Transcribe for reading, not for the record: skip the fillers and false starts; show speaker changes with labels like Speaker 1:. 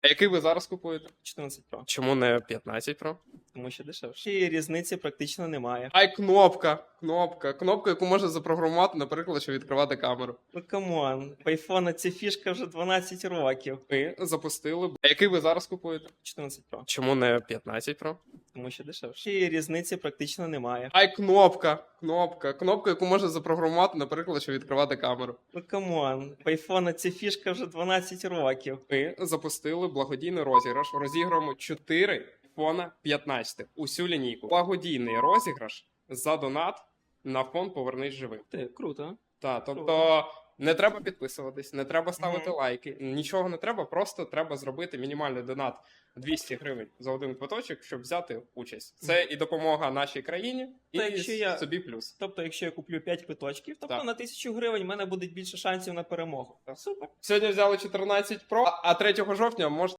Speaker 1: А який ви зараз купуєте?
Speaker 2: 14 Pro.
Speaker 1: Чому не 15 Pro?
Speaker 2: Тому що дешевше. І різниці практично немає.
Speaker 1: Ай, кнопка, яку можна запрограмувати, наприклад, щоб відкривати камеру.
Speaker 2: Ну камон, в айфона ця фішка вже 12 років.
Speaker 1: Ви запустили. А який ви зараз купуєте?
Speaker 2: 14 Pro.
Speaker 1: Чому не 15 Pro?
Speaker 2: Тому що дешевше. І різниці практично немає.
Speaker 1: Ай, кнопка, яку можна запрограмувати, наприклад, щоб відкривати камеру.
Speaker 2: Ну камон, в айфона ця фішка вже 12 років.
Speaker 1: Ми запустили благодійний розіграш. Розіграємо 4 iPhone 15. Усю лінійку. Благодійний розіграш за донат на фонд «Повернись живим».
Speaker 2: Круто.
Speaker 1: Так, тобто не треба підписуватись, не треба ставити лайки, нічого не треба, просто треба зробити мінімальний донат 200 гривень за один квиточок, щоб взяти участь. Це і допомога нашій країні, і собі плюс.
Speaker 2: Тобто, якщо я куплю 5 квиточків, тобто
Speaker 1: Так.
Speaker 2: на 1000 гривень в мене буде більше шансів на перемогу. Супер.
Speaker 1: Сьогодні взяли 14 Pro, а 3 жовтня можна